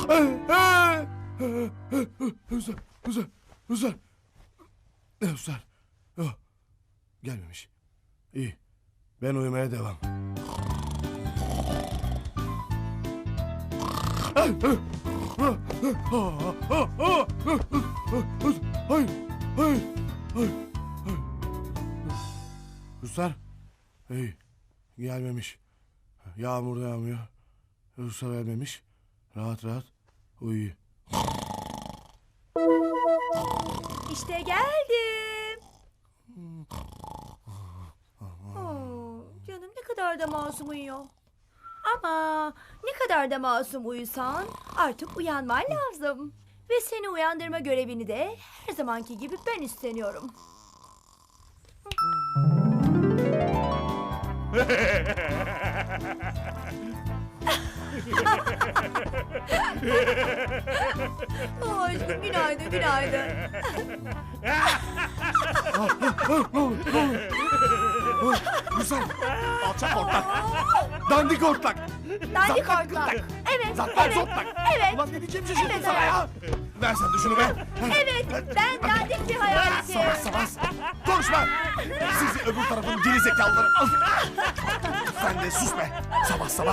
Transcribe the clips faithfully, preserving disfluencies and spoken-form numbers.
Hüsar, Hüsar, Hüsar. Hüsar. Yok. Gelmemiş. İyi. Ben uyumaya devam. Hayır. Hayır. Hayır. Hayır. Hüsar. İyi. Gelmemiş. Yağmur da yağmıyor. Hüsar gelmemiş. Rahat rahat uyuyor. İşte geldim. Oo, canım ne kadar da masum uyuyor. Ama ne kadar da masum uyusan artık uyanman lazım. Ve seni uyandırma görevini de her zamanki gibi ben üstleniyorum. Oh, aşkım günaydın günaydın. Hüsar. Alçak ortak. Dandik ortak. Dandik Zaten ortak. gırtlak. Evet, Zaten evet, zortlak. evet. Ulan ne diyeceğim şaşırdım Evet, sana evet. ya. Ver sen de şunu be. Evet, ben dandik bir hayaletim. Savaş savaş. Konuşma. Sizi öbür tarafın geri zekalıları. Sen de sus be. Sabah sabah.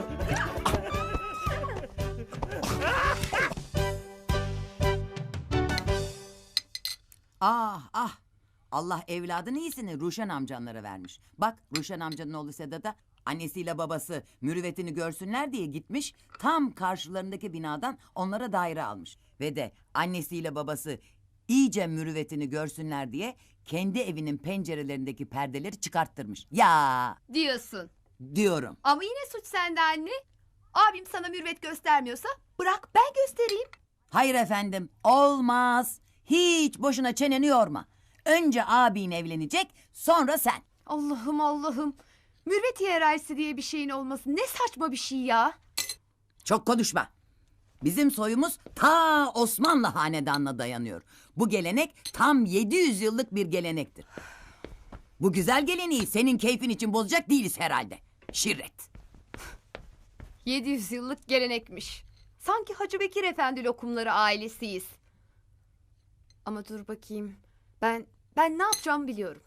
Ah ah. Allah evladın iyisini Ruşen amcanlara vermiş. Bak Ruşen amcanın oğlu Sedat da annesiyle babası mürüvvetini görsünler diye gitmiş. Tam karşılarındaki binadan onlara daire almış. Ve de annesiyle babası iyice mürüvvetini görsünler diye kendi evinin pencerelerindeki perdeleri çıkarttırmış. Ya Diyorsun. diyorum. Ama yine suç sende anne. Abim sana mürvet göstermiyorsa bırak ben göstereyim. Hayır efendim olmaz. Hiç boşuna çeneni yorma. Önce abin evlenecek sonra sen. Allah'ım Allah'ım. Mürvet hiyerarşisi diye bir şeyin olması ne saçma bir şey ya. Çok konuşma. Bizim soyumuz ta Osmanlı hanedanına dayanıyor. Bu gelenek tam yedi yüz yıllık bir gelenektir. Bu güzel geleneği senin keyfin için bozacak değiliz herhalde. Şirret. yedi yüz yıllık gelenekmiş. Sanki Hacı Bekir Efendi lokumları ailesiyiz. Ama dur bakayım. Ben ben ne yapacağımı biliyorum.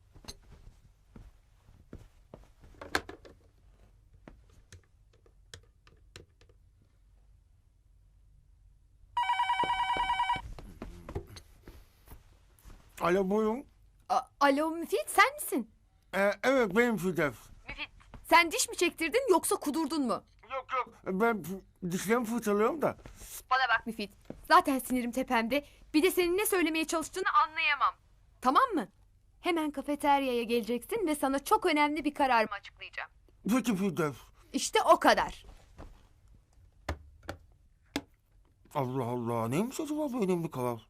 Alo buyurun. A- Alo Müfit sen misin? Ee, evet benim Firdevs. Sen diş mi çektirdin yoksa kudurdun mu? Yok yok. Ben f- dişlerimi fırçalıyorum da. Bana bak Müfit. Zaten sinirim tepemde. Bir de senin ne söylemeye çalıştığını anlayamam. Tamam mı? Hemen kafeteryaya geleceksin ve sana çok önemli bir kararımı açıklayacağım. Peki Firdevs. İşte o kadar. Allah Allah. Neymiş acaba bu önemli karar?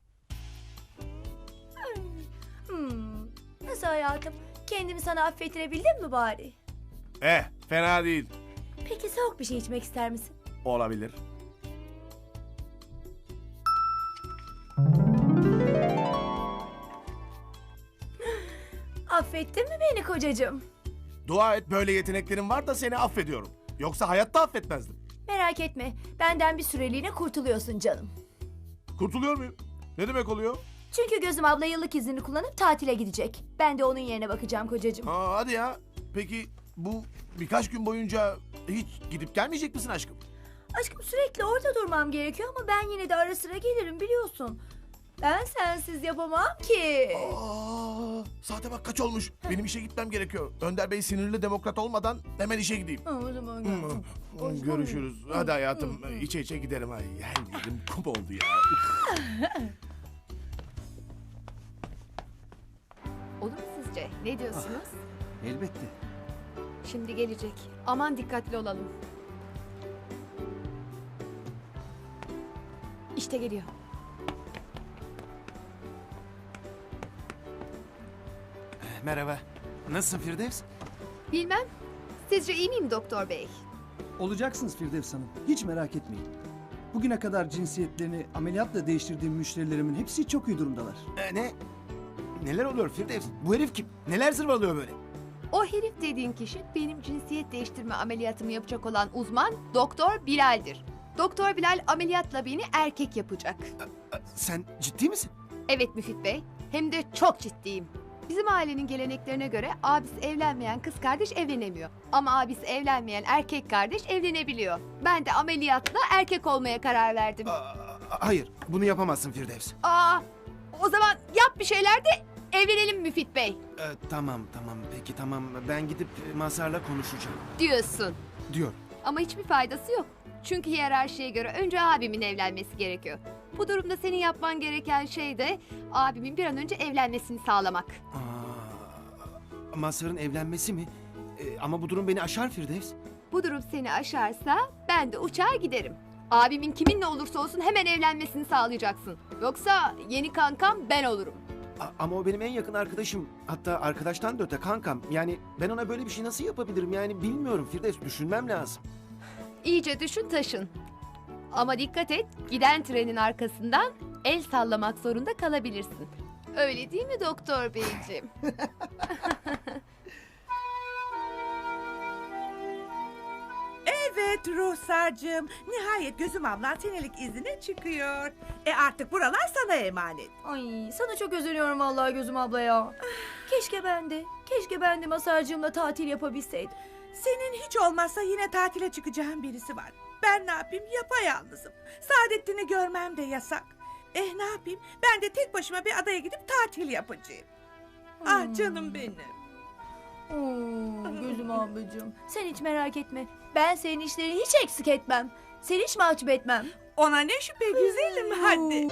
Hmm, nasıl hayatım? Kendimi sana affettirebildim mi bari? Eh fena değil. Peki soğuk bir şey içmek ister misin? Olabilir. Affettin mi beni kocacığım? Dua et böyle yeteneklerin var da seni affediyorum. Yoksa hayatta affetmezdim. Merak etme, benden bir süreliğine kurtuluyorsun canım. Kurtuluyor muyum? Ne demek oluyor? Çünkü Gözüm abla yıllık iznini kullanıp tatile gidecek. Ben de onun yerine bakacağım kocacığım. Ha, hadi ya. Peki bu birkaç gün boyunca hiç gidip gelmeyecek misin aşkım? Aşkım sürekli orada durmam gerekiyor ama ben yine de ara sıra gelirim biliyorsun. Ben sensiz yapamam ki. Aa, saate bak kaç olmuş. Benim işe gitmem gerekiyor. Önder Bey sinirli demokrat olmadan hemen işe gideyim. Ha, o zaman Hmm, gel. hmm, Görüşürüz. Hadi hayatım içe içe gidelim. Ay, her yerim kum oldu ya. Olur mu sizce? Ne diyorsunuz? Elbette. Şimdi gelecek. Aman dikkatli olalım. İşte geliyor. Merhaba. Nasılsın Firdevs? Bilmem. Sizce iyi miyim doktor bey? Olacaksınız Firdevs Hanım. Hiç merak etmeyin. Bugüne kadar cinsiyetlerini ameliyatla değiştirdiğim müşterilerimin hepsi çok iyi durumdalar. Ee, ne? Neler oluyor Firdevs? Bu herif kim? Neler zırvalıyor böyle? O herif dediğin kişi benim cinsiyet değiştirme ameliyatımı yapacak olan uzman Doktor Bilal'dir. Doktor Bilal ameliyatla beni erkek yapacak. Sen ciddi misin? Evet Müfit Bey, hem de çok ciddiyim. Bizim ailenin geleneklerine göre abisi evlenmeyen kız kardeş evlenemiyor. Ama abisi evlenmeyen erkek kardeş evlenebiliyor. Ben de ameliyatla erkek olmaya karar verdim. Aa, hayır, bunu yapamazsın Firdevs. Aa, o zaman yap bir şeyler de evlenelim Müfit Bey Ee, tamam, tamam, peki tamam. Ben gidip Mazhar'la konuşacağım. diyorsun. Diyor. Ama hiçbir faydası yok. Çünkü hiyerarşiye göre önce abimin evlenmesi gerekiyor. Bu durumda senin yapman gereken şey de abimin bir an önce evlenmesini sağlamak. Aa, Mazhar'ın evlenmesi mi? Ee, ama bu durum beni aşar Firdevs. Bu durum seni aşarsa ben de uçar giderim. Abimin kiminle olursa olsun hemen evlenmesini sağlayacaksın. Yoksa yeni kankam ben olurum. A- ama o benim en yakın arkadaşım. Hatta arkadaştan da öte kankam. Yani ben ona böyle bir şey nasıl yapabilirim? Yani bilmiyorum Firdevs, düşünmem lazım. İyice düşün taşın. Ama dikkat et, giden trenin arkasından el sallamak zorunda kalabilirsin. Öyle değil mi doktor beyciğim? Evet Ruhsar'cığım. Nihayet Gözüm ablan senelik izine çıkıyor. E artık buralar sana emanet. Ay sana çok özeniyorum vallahi Gözüm abla ya. Keşke ben de, keşke ben de Masarcığımla tatil yapabilseydim. Senin hiç olmazsa yine tatile çıkacağın birisi var. Ben ne yapayım, yapayalnızım. Saadettin'i görmem de yasak. Eh ne yapayım, ben de tek başıma bir adaya gidip tatil yapacağım. Ah canım benim. Oo, Gözüm ablacığım sen hiç merak etme. Ben senin işlerini hiç eksik etmem. Seni hiç mahcup etmem. Ona ne şüphe güzelim, hadi.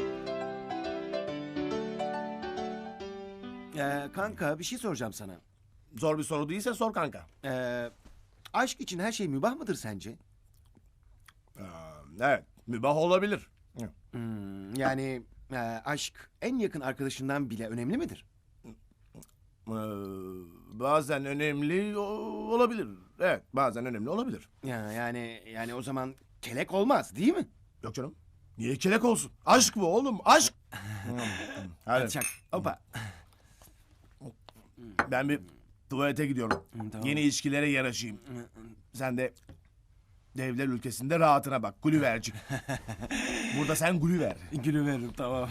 Ee, kanka bir şey soracağım sana. Zor bir soru değilse sor kanka. Ee, aşk için her şey mübah mıdır sence? Ee, evet, mübah olabilir. Hmm, yani e, aşk en yakın arkadaşından bile önemli midir? Ee, bazen önemli o- olabilir. Evet, bazen önemli olabilir. Ya yani yani o zaman kelek olmaz değil mi? Yok canım. Niye kelek olsun? Aşk bu oğlum, aşk. Hadi. Çak. Hoppa. Ben bir tuvalete gidiyorum. tamam. Yeni ilişkilere yaraşayım. Sen de devler ülkesinde rahatına bak. Gülüvercik. Burada sen gülüver. Gülü veririm tamam.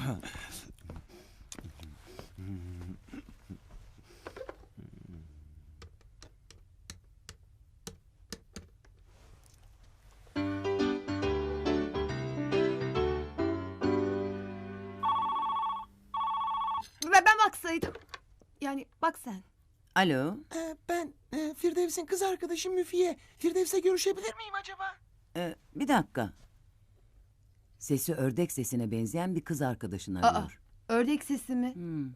Ve ben baksaydım. Yani bak sen. Alo. Ee, ben e, Firdevs'in kız arkadaşı Müfiye. Firdevs'le görüşebilir miyim acaba? Ee, bir dakika. Sesi ördek sesine benzeyen bir kız arkadaşın Aa, arıyor. ördek sesi mi? Hmm.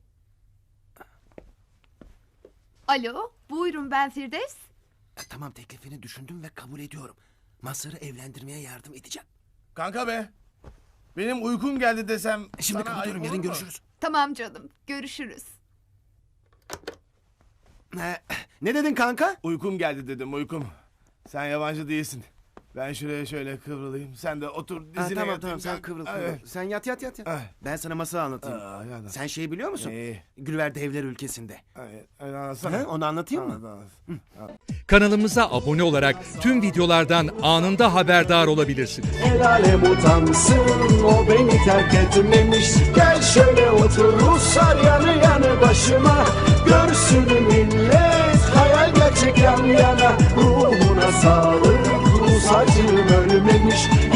Alo, buyurun ben Firdevs. E, tamam, teklifini düşündüm ve kabul ediyorum. Mazhar'ı evlendirmeye yardım edeceğim. Kanka be. Benim uykum geldi desem. Şimdi sana kapatıyorum, ayıp yarın olur mu? görüşürüz. Tamam canım, görüşürüz. Ee, ne dedin kanka? Uykum geldi dedim, uykum. Sen yabancı değilsin. Ben şuraya şöyle kıvrılayım. Sen de otur dizine Ha, tamam yatayım tamam sen kanka. kıvrıl kıvrıl. Evet. Sen yat yat yat. yat. Ah. Ben sana masal anlatayım. Aa, ya da- Sen şeyi biliyor musun? Neyi? Gülver Devler ülkesinde. Ay, ay, anlatsana. Ha, onu anlatayım mı? Anlat, anlat. Kanalımıza abone olarak tüm videolardan anında haberdar olabilirsiniz. El alem utansın, o beni terk etmemiş. Gel şöyle otur Ruslar yanı yanı başıma. Görsün millet hayal gerçek yan yana. Ruhuna sağlık, Rus acım ölmemiş.